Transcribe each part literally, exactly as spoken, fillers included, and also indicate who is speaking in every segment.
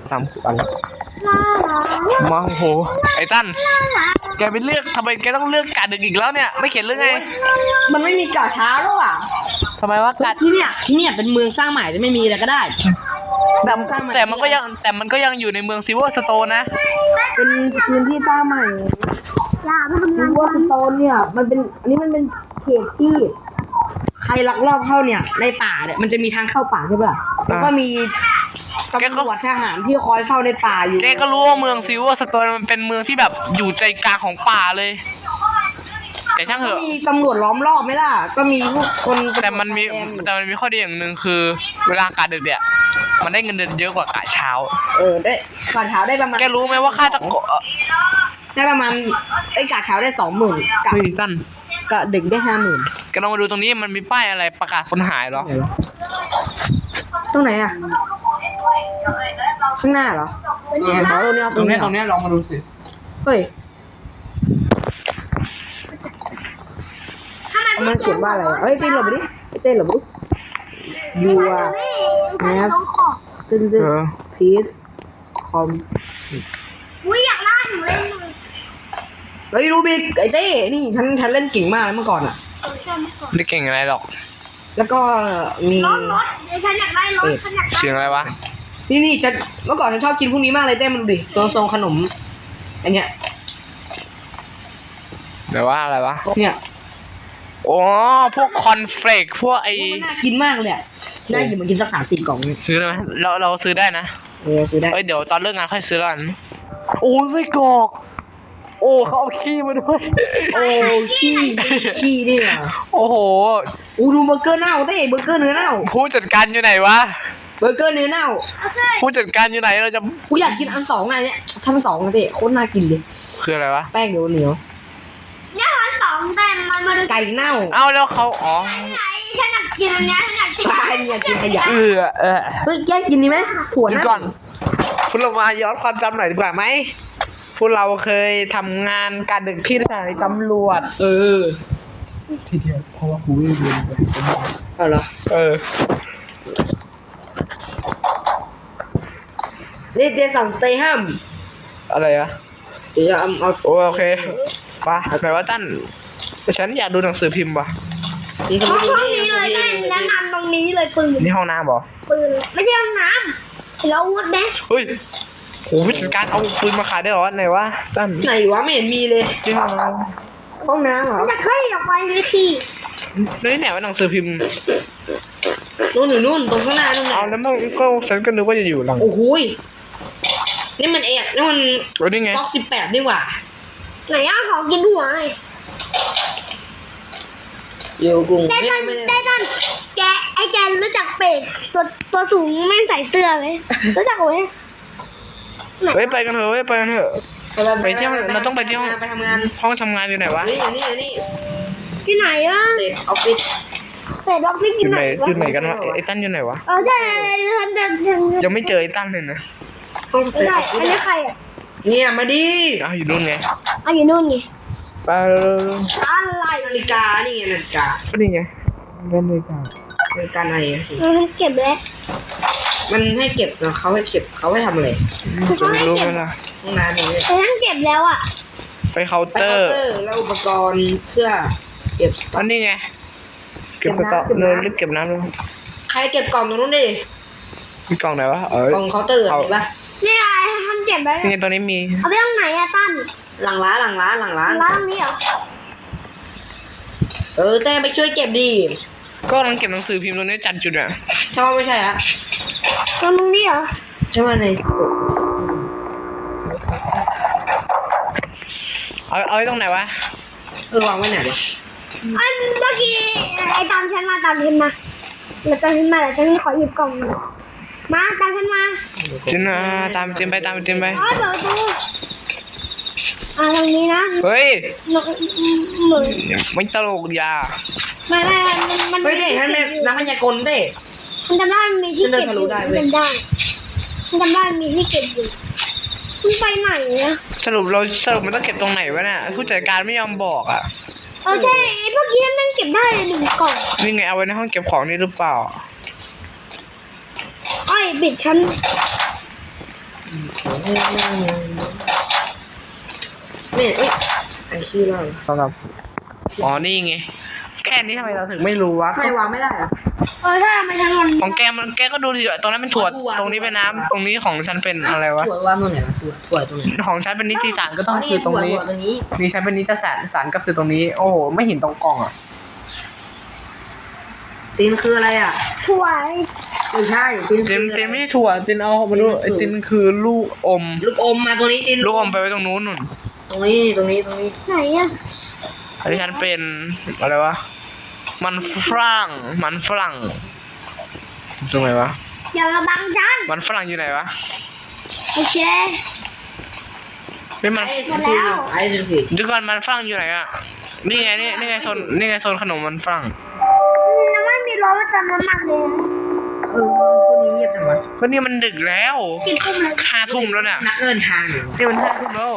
Speaker 1: สามอันมาโอ้โหไอ้ตั้นแกไปเลือกทำไมแกต้องเลือกกาดึกอีกแล้วเนี่ยไม่เขียนเรื่องไง
Speaker 2: มันไม่มีกาช้าหรอวะ
Speaker 1: ทำไมวะกา
Speaker 2: ที่เนี่ยที่เนี่ยเป็นเมืองสร้างใหม่จะไม่มีอะไรก็ได้
Speaker 1: แต่แต่มันก็ยังแต่มันก็ยังอยู่ในเมืองซิลเวอร์สโตนนะ
Speaker 2: เป็นพื้นที่สร้างใหม่ซิลเวอร์สโตนเนี่ยมันเป็นอันนี้มันเป็นเขตที่ใครลักลอบเข้าเนี่ยในป่าเนี่ยมันจะมีทางเข้าป่าใช่ป่ะแล้วก็มีตำรวจทหารที่คอยเฝ้าในป่าอยู่
Speaker 1: แกก็รู้ว่าเมืองซิลเวอร์สโตนมันเป็นเมืองที่แบบอยู่ใจกลางของป่าเลยแต่ช่างเถอะ
Speaker 2: มีตำรวจล้อมรอบไหมล่ะก็มีพวกคน
Speaker 1: แต่มันมีแต่มันมีข้อดีอย่างหนึ่งคือเวลากาดึกเนี่ยมันได้เงินเดือนเยอะกว่ากะเช้า
Speaker 2: เออได้กะเช้าได้ประมาณ
Speaker 1: แกรู้ไหมว่าค่าตะโก
Speaker 2: ได้ประมาณไอ้กะเช้าได้สองหมื่นกะ
Speaker 1: กัน
Speaker 2: กะดึกได้ห้าหมื่น
Speaker 1: แกลองมาดูตรงนี้มันมีป้ายอะไรประกาศคนหายหรอ
Speaker 2: ตรงไหนอ่ะข้างหน้าเหรอเนี่ยตรงนี้
Speaker 1: ตรงนี้ตรงนี้ลองมาดูสิ
Speaker 2: เฮ้ยมันเขียนว่าอะไรเฮ้ยเต้นหลบไปดิเต้นหลบไปดิยูอ่ะแอปตึ้งตึ้งพีซคอม
Speaker 3: อุ้ยอยากล่าหนูเล่นเลย
Speaker 2: เฮ้ยรูบิกไอเต้นี่ฉันฉันเล่นเก่งมากเมื่อก่อนอ่ะ
Speaker 1: ไม่เก่งอะไรหรอก
Speaker 2: แล้วก็มี
Speaker 3: รถรถเดี๋ยวฉันอยากได้รถฉันอยากได้
Speaker 1: เสียงอะไรวะ
Speaker 2: นี่นี่จะเมื่อก่อนฉันชอบกินพวกนี้มากเลยเต้มันดูดิทรงทรงขนมอันเนี้ย
Speaker 1: แต่ว่าอะไรวะ
Speaker 2: เนี่ย
Speaker 1: โอ้พวกคอนเฟลกพวกไอ้
Speaker 2: น่ากินมากเลยอ่ะน่าหยิบมากินสักสามสี่กล่อง
Speaker 1: ซื้อได้ไหมเราเราซื้อได้นะ
Speaker 2: เออซื้อได้
Speaker 1: เอ้ยเดี๋ยวตอนเลิกงานค่อยซื้อกันโอ้ไส้กรอกโอ้เขาเอาขี้มาด้วย
Speaker 2: โอ้ขี้ขี้เนี่ย
Speaker 1: โอ้โห
Speaker 2: อูดูเบอร์เกอร์เน่าเต้เบอร์เกอร์เนื้อเน่า
Speaker 1: ผู้จัดการอยู่ไหนวะ
Speaker 2: เบอร์เกอร์เนื้อเน่า
Speaker 1: ผู้จัดการอยู่ไหนเราจะ
Speaker 2: กูอยากกินอันสองไงเนี่ยทั้งสองเต้โคตรน่ากินเลย
Speaker 1: คืออะไรวะ
Speaker 2: แป้งเหนียวเหนียว
Speaker 3: เนี่ยอันสองแต่มันมาดู
Speaker 2: ไก่เน่า
Speaker 1: เอ้าแล้วเขาอ๋อ
Speaker 3: ฉันอยากกินอันนี้ฉันอยากกิน
Speaker 2: ปลาเนี่ยกินขยะ
Speaker 1: เออเออ
Speaker 2: เฮ้ยแยกกินดีไหมถั่วนะ
Speaker 1: ก่อนพวกเรามาย้อนความจำหน่อยดีกว่าไหมพวกเราเคยทำงานการดึกที่สถานีตำรวจ
Speaker 2: เออ
Speaker 1: ทีเดียวเพราะว่ากูไม่เรียนไป
Speaker 2: เอาเหรอ
Speaker 1: เออ
Speaker 2: นี่เดซันสเตย์ฮัม
Speaker 1: อะไรอะ
Speaker 2: เดี๋ยวเอาเอา
Speaker 1: โอเคป่ะแปลว่าตั้นแต่ฉันอยากดูหนังสือพิมพ์ป่ะ
Speaker 3: ห้องนี้เลยได้แนะนำตรงนี้เลยปืน
Speaker 1: นี่ห้องน้ำเหรอ
Speaker 3: ปืนไม่ใช่ห้องน้ำเราอาวุธไหม
Speaker 1: เฮ้ยโหผู้จัดการเอาปืนมาขายได้เหรอไหนวะตั้น
Speaker 2: ไหนวะไม่เห็นมีเลย
Speaker 1: ที่ห้องน้
Speaker 2: ำห้องน้ำเหรอ
Speaker 3: จะเคยออกไปเลยสิ
Speaker 1: นี่ไหนว่าหนังสือพิมพ์
Speaker 2: นู่นหรือนู่นตรงข้างหน้านู่น
Speaker 1: เอาแล้วมันก็ฉันก็นึกว่าจะอยู่หลัง
Speaker 2: โอ้โหนี่มันเอกนี่มัน
Speaker 1: นี่ไง
Speaker 2: ก๊อกสิบแปดนี่หว่า
Speaker 3: ไหนอ่ะขอกินหัวเลย
Speaker 2: อยู่กรุง
Speaker 3: ได้ตันได้ตันแกไอแกรู้จักเป็ดตัวตัวสูงไม่ใส่เสื้อไหมรู้จักไหม
Speaker 1: เฮ้ยไปกันเถอะเฮ้ยไปกันเถอะไปเที่ยวเราต้องไปที่ห้อง
Speaker 2: ไปทำงาน
Speaker 1: ห้องทำงานอยู่ไหนวะ
Speaker 2: นี่นี่นี่
Speaker 3: ที่ไหนวะ
Speaker 2: เศษออฟฟิศ
Speaker 3: เศษออฟฟิศ
Speaker 1: อยู่ไหนอยู่ไหนกันวะไอ้ตั้นอยู่ไหนวะ
Speaker 3: เออใช่ฉันจะ
Speaker 1: ยังไม่เจอไอ้ตั้นเลยนะ
Speaker 2: ห้องสเตย์
Speaker 3: อันนี้ใครอ่ะ
Speaker 2: เนี่ยมาดิ
Speaker 1: อ้าวอยู่นู่นไง
Speaker 3: อ้าวอยู่นู่นไง
Speaker 1: ไป
Speaker 3: อะไร
Speaker 2: นาฬิกานี่ไงนาฬิกา
Speaker 1: ก็นี่ไงนาฬิกา
Speaker 2: นาฬิกาไหน
Speaker 3: มันเก็บแล้ว
Speaker 2: มันให้เก็บนะเขาให้เก็บเขาให้ทำอะไร
Speaker 1: จะรู้ไหมล่ะ
Speaker 2: ห้องน้ำนี่
Speaker 3: แต่ทั้งเก็บแล้วอ่ะ
Speaker 1: ไปเคาน์เตอร์
Speaker 2: แล้วอุปกรณ์เพื่อเก็บ
Speaker 1: อันนี้ไงเก็บกระเป๋าเลยรีบเก็บน้ำเลย
Speaker 2: ใครเก็บกล่องตรงนู้นดิ
Speaker 1: มีกล่องไหนวะเออก
Speaker 2: ล่องเคาน์เตอร์เห็นปะ
Speaker 3: นี่ไงทำเก็บไว้
Speaker 1: นี่ตอนนี้มี
Speaker 3: เอาไปตรงไหนอะตั้น
Speaker 2: หลังร้านหลังร้านหลังร้าน
Speaker 3: ร้านตรงนี้เหรอ
Speaker 2: เออแต่ไปช่วยเก็บดิ
Speaker 1: ก็กำลังเก็บหนังสือพิมพ์ตรงนี้จัดจุดอ่ะ
Speaker 2: ใช่ว่าไม่ใช่อะ
Speaker 3: ตรงนี้เหรอ
Speaker 2: ใช่ว่าไหน
Speaker 1: เอาเอาไว้ตรงไหนวะ
Speaker 2: เออวางไว้ไหนวะ
Speaker 3: อันเมื่อกี้ไอ้ตามฉันมาตามฉันมาแล้วตามฉันมาแล้วฉันขอหยิบกล่องมาตามฉันมา
Speaker 1: จินนะตามจินไปตามจินไป
Speaker 3: อ๋อเดี๋ยวดูอ่าตรงนี้นะ
Speaker 1: เฮ้ย
Speaker 3: เหมือน
Speaker 1: ไม่ตลกยา
Speaker 3: ไม่ไม่มัน
Speaker 2: เฮ้ยเต้ท่านแม่นักพยากรณ์เต้
Speaker 3: มันจำได้มีที่เก็บอยู่มันจำได้มันจำได้มีที่เก็บอยู่มันไปไหนอะ
Speaker 1: สรุปเราสรุปมันต้องเก็บตรงไหนวะเนี่ยผู้จัดการไม่ยอมบอกอ่ะ
Speaker 3: เออใช่เมื่อกี้นั่งเก็บได้หนึ่งกล่อง
Speaker 1: นี่ไงเอาไว้ในห้องเก็บของนี่หรือเปล่า
Speaker 3: ไอ้บิดฉัน
Speaker 2: เนี่ยเอ้ยไอชื่อเรา
Speaker 1: ครับอ๋อนี่ไงแค่นี้ทำไมเราถึงไม่รู้วะ
Speaker 2: ใครวางไม่ได้อะ
Speaker 3: เออถ้าไม่ทั้งวัน
Speaker 1: ของแกมันแกก็ดูดิตรงนั้นเป็นถั่วตรงนี้เป็นน้ำตรงนี้ของฉันเป็นอะไรวะ
Speaker 2: ถั่ววางตรงไหนวะถั่วถั่วตรงไหน
Speaker 1: ของฉันเป็นนิติสารก็ต้องคือตรงนี้
Speaker 2: ถั่วตรงนี้
Speaker 1: นี่ฉันเป็นนิติสารสารก็คือตรงนี้ โอ้โหไม่เห็นตรงกล่องอ่ะ
Speaker 2: ตีนคืออะไรอ่ะ
Speaker 3: ถ้วย
Speaker 2: ไม่ใช่ตีน
Speaker 1: เต็ม
Speaker 2: คือ
Speaker 1: เต็มไม่ใช่ถั่วเต็มเอามาดูไอตินคือลูกอม
Speaker 2: ลูกอมมาตรงนี้ตีน
Speaker 1: ลูกอมไปไว้ตรงนู้นนู่น
Speaker 2: ตรงนี้ตรงนี้ตรงนี้
Speaker 3: ไหนอ่ะ
Speaker 1: อันนี้ฉันเป็นอะไรวะมันฝรั่งมันฝรั่งตรงไหนวะ
Speaker 3: อย่ามาบังฉัน
Speaker 1: มันฝรั่งอยู่ไหนวะ
Speaker 3: โอเค
Speaker 1: ไม่มัน
Speaker 2: ไอ้สปีดไอ้สปีด
Speaker 1: เดี๋ยวก่อนมันฝรั่งอยู่ไหนอ่ะนี่ไงนี่นี่ไงโซนนี่ไงโซนขนมมันฝรั่ง
Speaker 3: ยังไม่มีรถประจำน้ำมันเลย
Speaker 2: เออคนนี้เงียบจังวะ
Speaker 1: ก็นี่มันดึกแล้ว
Speaker 3: กินทุ่มเลย
Speaker 1: ห้าทุ่มแล้วเนี่ย
Speaker 2: นักเดินทางอยู่
Speaker 1: นี่มันห้าทุ่มแล้ว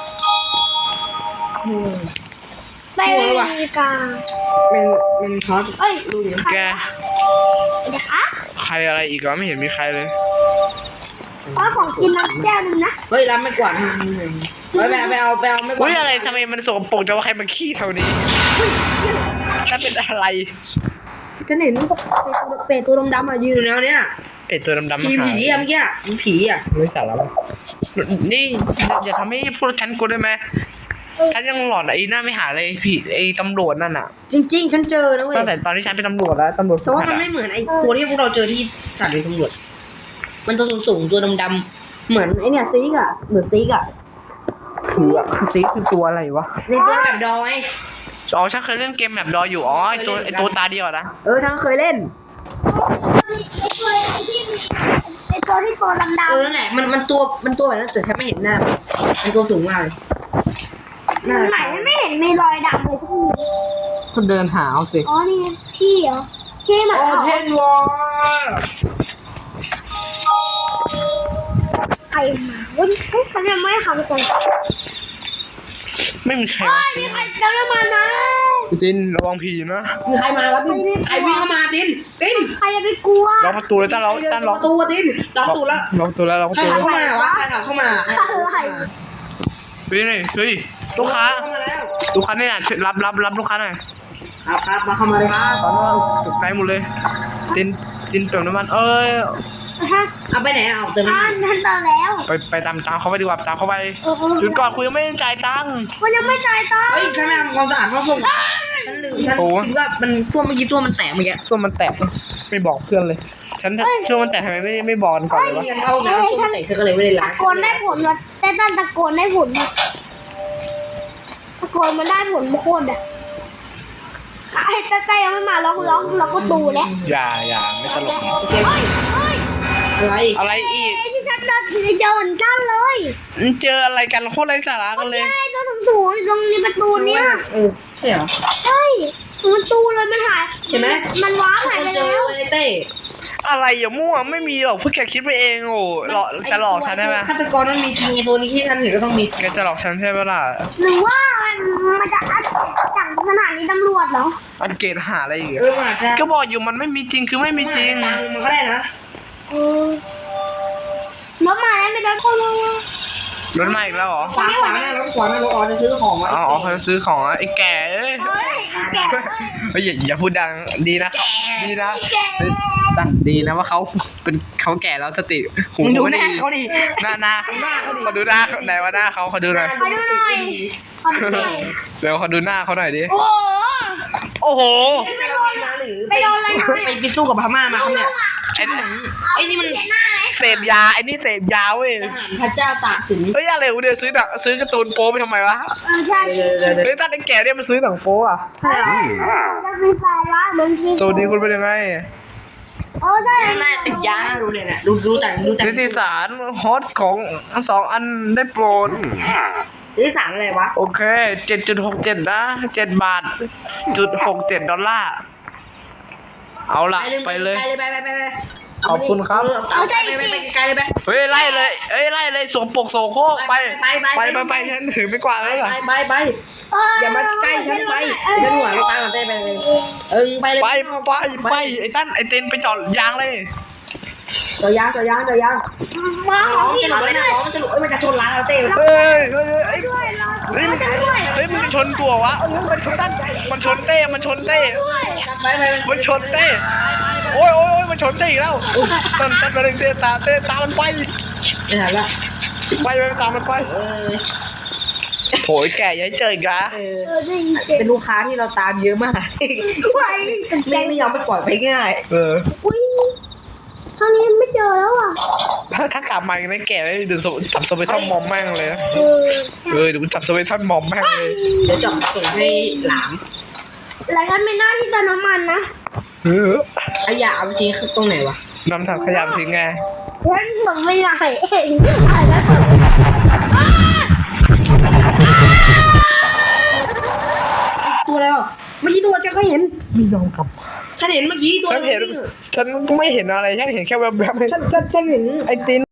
Speaker 3: ไปอเมริกา
Speaker 2: เป็นเป็นทอส
Speaker 3: เอ้ย
Speaker 2: ลูก
Speaker 1: แก
Speaker 3: เดี๋ยวคะ
Speaker 1: ใครอะไรอีกวะไม่เห็นมีใครเลย
Speaker 3: ก็ของกินน้ำแก้วนึงนะ
Speaker 2: เฮ้ยรับไม่กวาดทำไงไปไปไปเอาไปเอาไม่กวาด
Speaker 1: อุ้ยอะไรทำไมมันสกปรกจังว่าใครมาขี้แถวนี้ถ้าเป็นอะไร
Speaker 2: ฉันเห็นเป็ดตัวดำๆอ่ะยืนแล้วเนี่ย
Speaker 1: เป็ดตัวดำๆมา
Speaker 2: ผี
Speaker 1: หา
Speaker 2: ผีอ่ะเมื่อกี้อ่ะผีอ่ะ
Speaker 1: ไม่สาระนี่อย่าทำให้พวกฉันกลัวได้ไหมฉันยังหลอนไอ้หน้าไม่หาเลยผีไอ้ตำรวจนั่นอ่ะ
Speaker 2: จริงๆฉันเจอนะเว้ย
Speaker 1: ตั้งแต่ตอนที่ฉันเป็นตำรวจแล้วตำรวจ
Speaker 2: แต่ว่ามันไม่เหมือนไอ้ตัวที่พวกเราเจอที่สถานีตำรวจมันตัวสูงๆตัวดำๆเหมือนไอ้เนี่ยซิกอ่ะเหมือนซิกอ่ะ
Speaker 1: คืออะคือซีคือตัวอะไรวะ
Speaker 2: ในตัวแบบดอย
Speaker 1: อ๋อฉันเคยเล่นเกมแบบดออยู่อ๋อไอ้ตัวไอ้ตัวตาเดียวอะนะ
Speaker 2: เออทั้งเคยเล่น
Speaker 3: ไอ้ตัวที่มีไอ้ตัวที่ตัวดำ
Speaker 2: เออนั่นแหละมันมันตัวมันตัวแบบนั้นแต่ฉันไม่เห็นหน้ามันตัวสูงมากเลย
Speaker 3: ๆมันไหนไม่เห็นมีรอยดำเลยทุกที
Speaker 1: คนเดินหาเอาสิ
Speaker 3: อ๋อนี่ไงพี่เหรอพี่เหมือน
Speaker 1: โอ
Speaker 3: เขา
Speaker 1: เพนวอล
Speaker 3: ใครมาเฮ้ยเฮ้ยเขายังไม่ขับไปก่อน
Speaker 1: ไม่มีใคร
Speaker 3: เฮ้
Speaker 1: มาย
Speaker 3: มีใครเติมน้ำมันนะ
Speaker 1: จินระวังผีนะ
Speaker 2: มีใครมาวะตินใครวิ่งเข้ามาตินติน
Speaker 3: ใครจะไปกลัว
Speaker 1: ล็อกประตูเลยตั้งล็อกตั้งล็อก
Speaker 2: ประตูตินล็อกประตูแล้ว
Speaker 1: ล็อกประตูแล้วล็อกประ
Speaker 2: ใคร
Speaker 1: ตู
Speaker 2: ขับ
Speaker 1: แล้ว
Speaker 2: เข้ามาวะใครขับเข้ามา
Speaker 3: ใคร
Speaker 1: เฮ้ยนี่เฮ้ยลูกค้า
Speaker 2: เข้ามาแล้ว
Speaker 1: ลูกค้าเนี่ยช่วยรับรับรับลูกค้าหน่อย
Speaker 2: ครับครับมาเข้ามาเลยครับ
Speaker 1: ตอนนี้ตกใจหมดเลยจินจินเติมน้ำมันเอ้ย
Speaker 3: ฮะ
Speaker 2: เอาไปไหนเอาเติม
Speaker 3: อ่า
Speaker 2: น้ำมัน
Speaker 3: ฉันเติมแล้ว
Speaker 1: ไปไปตามตามเขาไปดีกว่าตามเขาไป
Speaker 3: เออเออ
Speaker 1: หยุดก่อนคุยยังไม่ได้จ่ายตังค์
Speaker 3: มันยังไม่จ่ายตังค์
Speaker 2: เฮ้ยฉันไม่ทำความสะอาดห้องส่งฉันลืมฉันคิดว่ามันตัวเมื่อกี้ตัวมันแตกเมื่อกี้
Speaker 1: ตัวมันแตกไม่บอกเพื่อนเลย ฉันช่วงมันแตกทำไมไม่ไม่บอกกันก่อนเลยวะ
Speaker 2: เรียนเข้าน้ำส้มแตกฉันก็เลยไม่ได้ล้า
Speaker 3: ตะ
Speaker 2: ง
Speaker 3: โกนได้ผลวะแต่ตันตะโกนได้ผลวะตะโกนมันได้ผลโคตรอ่ะไอ้ตาตายังไม่มาล็อกล็อกล็อกประตูแล้ว
Speaker 1: อย่าอย่าไม่ตลก
Speaker 3: เฮ้ยเฮ้ย
Speaker 2: อะไร
Speaker 1: อะไรอีก
Speaker 3: ไอ้ที่ฉันเจอเจอเหมือนกันเลย
Speaker 1: เจออะไรกันโคตรไร้สาระกันเลย
Speaker 3: ไอ้ตัวสูงสูงๆตรงนี้ประตูเนี้ย
Speaker 2: เออใช่เหรอ
Speaker 3: ใช่ประตูเลยมันหาย
Speaker 2: เห็นไหม
Speaker 3: มันว้าหายไป
Speaker 2: เจอ
Speaker 3: แล้ว
Speaker 2: ไอ้เต้
Speaker 1: อะไรอย่ามั่วไม่มีหรอกเพื่อแกคิดไปเองโอ้หลอกจะหลอกฉันใช่ไหม
Speaker 2: ฆาตกรมันมีจริงไอ้ตัวนี้ที่ฉันเห็นก็ต้องมี
Speaker 1: แกจะหลอกฉันใช่ไหมล่ะ
Speaker 3: หรือว่ามันมันจะอัดจากสถานีตำรวจเหรอ
Speaker 1: อันเกตหาอะไรอีก
Speaker 2: เอ
Speaker 1: อะ
Speaker 2: อมาใช่
Speaker 1: ก็บอกอยู่มันไม่มีจริงคือไม่มีจริง
Speaker 2: ตังมันก็ได้นะ
Speaker 3: เออรถมาแล้วไม่ได้คนเลย
Speaker 1: รถมาอีกแล้วเหรอ
Speaker 2: ขวาขวาหน้ารถขวาหน้ารถอ๋อจะซื้อของ
Speaker 1: อ๋ออ๋อเขาจะซื้อของอะไอ้แก่เอ้ย
Speaker 3: เฮ้ยแก
Speaker 1: เฮ้ยอย่าอย่าพูดดังดีนะเขาดีนะเฮ้ยตั้งดีนะว่าเขาเป็นเขาแก่แล้วสติหู
Speaker 2: มึงดู
Speaker 1: ไม่
Speaker 2: หน้า
Speaker 1: ดี
Speaker 2: เขาดิ
Speaker 1: หน้าหน้า
Speaker 2: หน้าเขาดิ
Speaker 1: เขาดูหน้าไหนว่าหน้าเขาเขาดูหน่อย
Speaker 3: ขอดูหน่อยขอดูหน่อย
Speaker 1: เดี๋ยวเขาดูหน้าเขาหน่อยดิ
Speaker 3: โอ้โห
Speaker 1: โอ้โห
Speaker 2: ไปโดนมาหรือ
Speaker 3: ไปโดนอะไรมา
Speaker 2: ไปไปสู้กับพม่ามาครับเนี่ย
Speaker 1: ไอ้
Speaker 2: ไอ้นี่มัน
Speaker 3: เห็นหน้าไหม
Speaker 1: เสพยาไอ้นี่เสพยาเว้ย
Speaker 2: ทหารพระเจ้าตากสิน
Speaker 1: เฮ้ยอะไรวะเนี่ยซื้อหนังซื้อการ์ตูนโป๊ไปทำไมวะ
Speaker 3: เออใช่
Speaker 2: เดี๋ยวเดี๋ยวเดี๋ยว
Speaker 1: เฮ้ยตั้งแต่แก่เนี่ยมันซื้อหนังโป๊อะ
Speaker 2: ใช่เหรอ
Speaker 3: จะมีแฟนวะเหมือนพี่
Speaker 1: สวัสดีคุณเป็นยังไง
Speaker 3: โอ้ใช่
Speaker 2: น่าติดยาดูเลยเนี่ยดูดูแต่ดูแต่
Speaker 1: นิติสารฮอตของทั้งสองอันได้โปรด
Speaker 2: นิติสารอะไรวะ
Speaker 1: โอเคเจ็ดจุดหกเจ็ดนะเจ็ดบาทจุดหกเจ็ดดอลลาร์เอาละไปเลย
Speaker 2: ไปเลยไปไปไปไป
Speaker 1: ขอบคุณครับ
Speaker 2: เอาใจไปไปไปไกลเลยไป
Speaker 1: เฮ้ยไล่เลยเอ้ยไล่เลยสวมปกโสโครกไป
Speaker 2: ไปไป
Speaker 1: ไป
Speaker 2: ไป
Speaker 1: ไปไปฉันถือไม่กวาด
Speaker 2: ไป
Speaker 1: แล้วเหรอ
Speaker 2: ไปไปไปอย่ามาใกล้ฉันไปฉันหัวเราตายก่อนเต้ไปเลยเอิงไปเลย
Speaker 1: ไปไปไปไอ้ตั้นไอ้เต้นไปจอดยางเลย
Speaker 2: จอยางจอยางจอยาง
Speaker 3: มาของพี่เขาไปไหน
Speaker 2: จะชนร้านเราเต้
Speaker 1: เฮ้ยเฮ้ยเฮ้ย
Speaker 3: ด้วยรอ
Speaker 1: เฮ้ย
Speaker 3: รอฉันด้วย
Speaker 1: เฮ้ยมันชนตัววะมันชนต้นมันชนเต้มันชนเต้
Speaker 3: ด้วย
Speaker 2: ไปไป
Speaker 1: มันชนเต้โอ้ยโอ้ยโอ้ยมันชนเต้อีกแล้วต้นต้นมาเร่งเต้ตาเต้ตามันไป
Speaker 2: ไม่ทันละ
Speaker 1: ไปไปตามมันไป
Speaker 2: เออ
Speaker 1: โหยแก่อยัยเจออีกละ
Speaker 2: เออ
Speaker 3: เออได้ยินเสียง
Speaker 2: เป็นลูกค้าที่เราตามเยอะมาก
Speaker 3: ไว้ตกใจ
Speaker 2: แม่งไม่ยอมไปปล่อยไปง่าย
Speaker 1: เออ
Speaker 3: อุ้ยคราวนี้ไม่เจอแล้วอ่ะ
Speaker 1: ถ้าถ้ากลับมาอีกนะแก่เลยเดี๋ยวจับสวิตทันมอมแม่งเลย
Speaker 3: เออ
Speaker 1: เออเดี๋ยวกูจับสวิตทันมอมแม่งเลย
Speaker 2: เดี๋ยวจะส่งให้หลาม
Speaker 3: หลายท่านไม่น่าที่จะน้ำมันนะ
Speaker 1: เออ
Speaker 2: ขยะเอาจริงคือตรงไหนวะ
Speaker 1: นำถังขยะทิ้งไง
Speaker 3: ฉันส่งไม่ได้เองอ่านแล้วส่ง
Speaker 2: ตัวอะไรวะเมื่อกี้ตัวฉันก็เห็น
Speaker 1: ไม่ยอมกลับ
Speaker 2: ฉันเห็นเมื่อกี้ตัว
Speaker 1: ฉันเห็นฉันก็ไม่เห็นอะไรฉันเห็นแค่แวบๆ
Speaker 2: ฉันฉันฉันเห็น
Speaker 1: ไอ้ติน